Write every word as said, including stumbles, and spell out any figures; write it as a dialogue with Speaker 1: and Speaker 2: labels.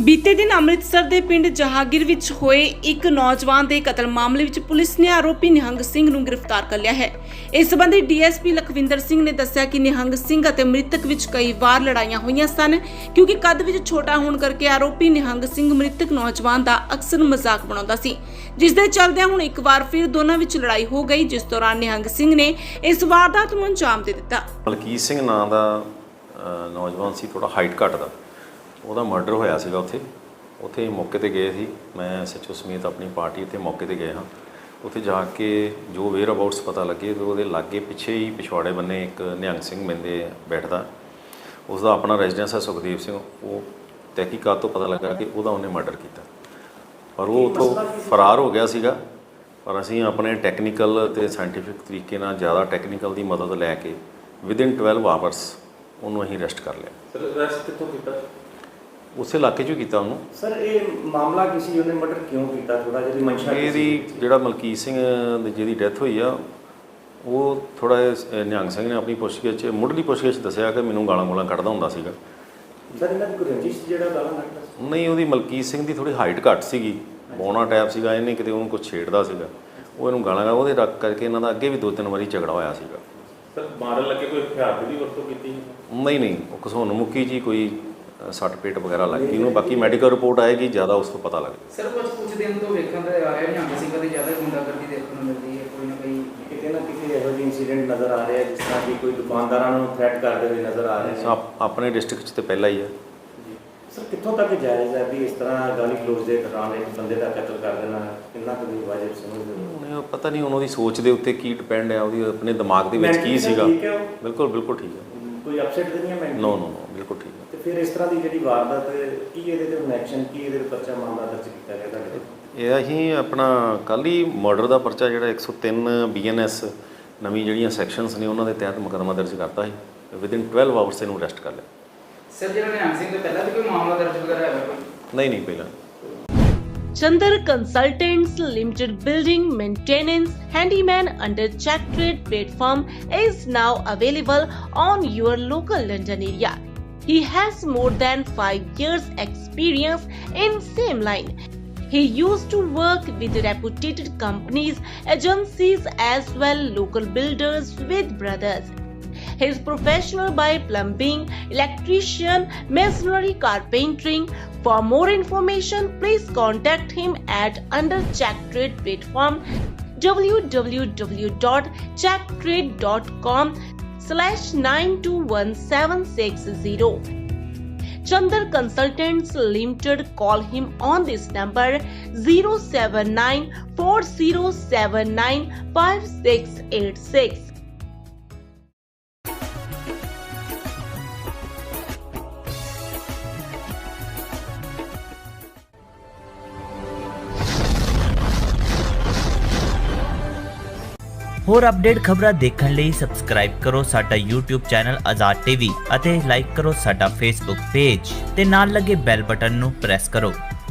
Speaker 1: बीते दिन अमृतसर के पिंड जहांगीर विच होए एक नौजवान के कतल मामले विच पुलिस ने आरोपी निहंग सिंह नूं गिरफ्तार कर लिया है। इस संबंधी डीएसपी लखविंदर सिंह ने दस्सिया कि निहंग सिंह अते मृतक विच कई बार लड़ाइयां हुईयां सन, क्योंकि कद विच छोटा होने करके आरोपी निहंग सिंह मृतक नौजवान का अक्सर मजाक बनाउंदा सी, जिस दे चलदे हुण एक बार फिर दोनों विच लड़ाई हो गई, जिस दौरान निहंग सिंह ने इस वारदात नूं अंजाम दे दिता।
Speaker 2: मलकीत सिंह नाम का नौजवान सी, थोड़ा हाइट घट का, ਉਹਦਾ ਮਰਡਰ ਹੋਇਆ ਸੀਗਾ। ਉੱਥੇ ਉੱਥੇ ਮੌਕੇ 'ਤੇ ਗਏ ਸੀ, ਮੈਂ ਐਸ ਐਚ ਓ ਸਮੇਤ ਆਪਣੀ ਪਾਰਟੀ ਇੱਥੇ ਮੌਕੇ 'ਤੇ ਗਏ ਹਾਂ। ਉੱਥੇ ਜਾ ਕੇ ਜੋ ਵੇਅਰ ਅਬਾਊਟਸ ਪਤਾ ਲੱਗੇ, ਉਹਦੇ ਲਾਗੇ ਪਿੱਛੇ ਹੀ ਪਿਛਵਾੜੇ ਬੰਨੇ ਇੱਕ ਨਿਹੰਗ ਸਿੰਘ ਬੰਦੇ ਬੈਠਦਾ, ਉਸ ਦਾ ਆਪਣਾ ਰੈਜ਼ੀਡੈਂਸ ਹੈ ਸੁਖਦੇਵ ਸਿੰਘ। ਉਹ ਤਹਿਕੀਕਾਤ ਤੋਂ ਪਤਾ ਲੱਗਾ ਕਿ ਉਹਦਾ ਉਹਨੇ ਮਰਡਰ ਕੀਤਾ, ਪਰ ਉਹ ਉੱਥੋਂ ਫਰਾਰ ਹੋ ਗਿਆ ਸੀਗਾ। ਪਰ ਅਸੀਂ ਆਪਣੇ ਟੈਕਨੀਕਲ ਅਤੇ ਸਾਇੰਟੀਫਿਕ ਤਰੀਕੇ ਨਾਲ, ਜ਼ਿਆਦਾ ਟੈਕਨੀਕਲ ਦੀ ਮਦਦ ਲੈ ਕੇ ਵਿਦਿਨ ਟਵੈਲਵ ਆਵਰਸ ਉਹਨੂੰ ਅਸੀਂ ਅਰੈਸਟ ਕਰ ਲਿਆ।
Speaker 3: ਸਰ ਅਰੈਸਟ ਕਿੱਥੋਂ ਕੀਤਾ?
Speaker 2: ਉਸੇ ਇਲਾਕੇ 'ਚ ਹੀ ਕੀਤਾ ਉਹਨੂੰ।
Speaker 3: ਸਰ ਇਹ ਮਾਮਲਾ ਕਿਸੇ ਉਹਨੇ ਮਰਡਰ ਕਿਉਂ ਕੀਤਾ? ਥੋੜਾ ਜਿਹੀ ਮਨਸ਼ਾ
Speaker 2: ਇਹਦੀ ਜਿਹੜਾ ਮਲਕੀਤ ਸਿੰਘ ਦੀ ਜਿਹਦੀ ਡੈਥ ਹੋਈ ਆ, ਉਹ ਥੋੜਾ ਨਿਹੰਗ ਸਿੰਘ ਨੇ ਆਪਣੀ ਪੁੱਛਗਿੱਛ 'ਚ ਮੁੱਢਲੀ ਪੁੱਛਗਿੱਛ ਦੱਸਿਆ ਕਿ ਮੈਨੂੰ ਗਾਲਾਂ ਗੋਲਾਂ ਕੱਢਦਾ ਹੁੰਦਾ ਸੀਗਾ।
Speaker 3: ਸਰ ਇਹਨਾਂ ਦੀ ਕੋਈ ਰੰਜਿਸ਼ ਜਿਹੜਾ ਗਾਲਾਂ ਕੱਢਦਾ?
Speaker 2: ਨਹੀਂ, ਉਹਦੀ ਮਲਕੀਤ ਸਿੰਘ ਦੀ ਥੋੜੀ ਹਾਈਟ ਘੱਟ ਸੀਗੀ, ਬੌਣਾ ਟਾਈਪ ਸੀਗਾ, ਇਹਨੇ ਕਿਤੇ ਉਹਨੂੰ ਕੁਛ ਛੇੜਦਾ ਸੀਗਾ, ਉਹ ਇਹਨੂੰ ਗਾਲਾਂ ਕੱਢਦਾ, ਉਹਦੇ ਰੱਖ ਕਰਕੇ ਇਹਨਾਂ ਦਾ ਅੱਗੇ ਵੀ ਦੋ ਤਿੰਨ ਵਾਰੀ ਝਗੜਾ ਹੋਇਆ ਸੀਗਾ।
Speaker 3: ਸਰ ਮਾਰਨ ਲੱਗੇ ਕੋਈ ਹਥਿਆਰ ਦੀ ਵਰਤੋਂ ਕੀਤੀ?
Speaker 2: ਨਹੀਂ ਨਹੀਂ, ਉਹ ਘਸੁੰਨ ਮੁੱਕੀ ਜੀ ਕੋਈ ਸੱਟ ਪੇਟ ਵਗੈਰਾ ਲੱਗ ਗਈ ਉਹਨੂੰ, ਬਾਕੀ ਮੈਡੀਕਲ ਰਿਪੋਰਟ ਆਏਗੀ, ਜ਼ਿਆਦਾ ਉਸ ਤੋਂ ਪਤਾ ਲੱਗ ਜਾਏਗਾ।
Speaker 4: ਸਰ ਕੁਝ ਕੁਝ ਦਿਨ ਤੋਂ ਵੇਖਣ ਤੇ ਆ ਰਿਹਾ ਨਿਹੰਗ ਸਿੰਘਾਂ ਦੀ ਜ਼ਿਆਦਾ ਗੁੰਡਾਗਰਦੀ ਦੇਖਣ ਨੂੰ ਮਿਲਦੀ ਹੈ, ਕੋਈ ਨਾ ਕੋਈ
Speaker 3: ਕਿਤੇ ਨਾ ਕਿਤੇ ਇਹੋ ਜਿਹੇ ਇੰਸੀਡੈਂਟ ਨਜ਼ਰ ਆ ਰਹੇ ਆ, ਜਿਸ ਤਰ੍ਹਾਂ ਕਿ ਕੋਈ ਦੁਕਾਨਦਾਰਾਂ ਨੂੰ ਥ੍ਰੈਟ ਕਰਦੇ ਹੋਏ ਨਜ਼ਰ ਆ ਰਹੇ
Speaker 2: ਆਪ ਆਪਣੇ ਡਿਸਟ੍ਰਿਕਟ 'ਚ ਤਾਂ ਪਹਿਲਾਂ ਹੀ ਹੈ।
Speaker 3: ਸਰ ਕਿੱਥੋਂ ਤੱਕ ਜਾਇਜ਼ ਹੈ ਵੀ ਇਸ ਤਰ੍ਹਾਂ ਗਾਲੀ ਗਲੋਚ ਦੇ ਦੌਰਾਨ ਇੱਕ ਬੰਦੇ ਦਾ ਕਤਲ ਕਰ ਦੇਣਾ, ਕਿੰਨਾ ਕੁ ਵਾਜਬ ਸਮਝਦੇ ਹੋ?
Speaker 2: ਪਤਾ ਨਹੀਂ ਉਹਨਾਂ ਦੀ ਸੋਚ ਦੇ ਉੱਤੇ ਕੀ ਡਿਪੈਂਡ ਹੈ, ਉਹਦੀ ਆਪਣੇ ਦਿਮਾਗ ਦੇ ਵਿੱਚ ਕੀ ਸੀਗਾ। ਬਿਲਕੁਲ ਬਿਲਕੁਲ ਠੀਕ ਹੈ,
Speaker 3: ਕੋਈ ਅਪਸੈਟ ਤਾਂ ਨਹੀਂ ਹੈ? ਮੈਂ
Speaker 2: ਨੋ ਨੋ ਨੋ ਬਿਲਕੁਲ ਠੀਕ ਹੈ।
Speaker 3: ਤੇ ਫਿਰ ਇਸ ਤਰ੍ਹਾਂ ਦੀ ਜਿਹੜੀ ਵਾਰਦਾਤ, ਕੀ ਇਹਦੇ ਤੇ ਹੁਣ ਐਕਸ਼ਨ, ਕੀ ਇਹਦੇ ਤੇ ਪਰਚਾ ਮਾਮਲਾ ਦਰਜ ਕੀਤਾ ਗਿਆ ਤੁਹਾਡੇ?
Speaker 2: ਇਹ ਅਸੀਂ ਆਪਣਾ ਕੱਲ੍ਹ ਹੀ ਮਰਡਰ ਦਾ ਪਰਚਾ ਜਿਹੜਾ ਇੱਕ ਸੌ ਤਿੰਨ ਬੀ ਐਨ ਐਸ ਨਵੀਂ ਜਿਹੜੀਆਂ ਸੈਕਸ਼ਨਸ ਨੇ ਉਹਨਾਂ ਦੇ ਤਹਿਤ ਮੁਕੱਦਮਾ ਦਰਜ ਕਰਤਾ ਸੀ। ਵਿਦਿਨ ਟਵੈਲਵ ਆਵਰਸ ਇਹਨੂੰ ਅਰੈਸਟ ਕਰ ਲਿਆ।
Speaker 4: ਸਰ ਜਿਹੜਾ ਨਿਹੰਗ ਸਿੰਘ ਤੋਂ ਪਹਿਲਾਂ ਵੀ ਕੋਈ ਮਾਮਲਾ ਦਰਜ ਵਗੈਰਾ ਹੈ ਕੋਈ?
Speaker 2: ਨਹੀਂ ਨਹੀਂ, ਪਹਿਲਾਂ।
Speaker 1: Chandar Consultants Limited Building Maintenance Handyman under Check Trade platform is now available on your local London area. He has more than five years experience in same line. He used to work with reputed companies, agencies as well local builders with brothers. He is professional by plumbing, electrician, masonry, carpentering. For more information, please contact him at under Check Trade platform w w w dot check trade dot com slash nine two one seven six zero. Chandar Consultants Limited. Call him on this number zero seven nine four zero seven nine five six eight six.
Speaker 5: ਹੋਰ update ਖਬਰਾਂ ਦੇਖਣ ਲਈ subscribe ਕਰੋ ਸਾਡਾ YouTube channel Azad TV ਅਤੇ like ਕਰੋ ਸਾਡਾ Facebook page ਤੇ ਨਾਲ ਲੱਗੇ ਬੈਲ ਬਟਨ ਨੂੰ ਪ੍ਰੈਸ ਕਰੋ।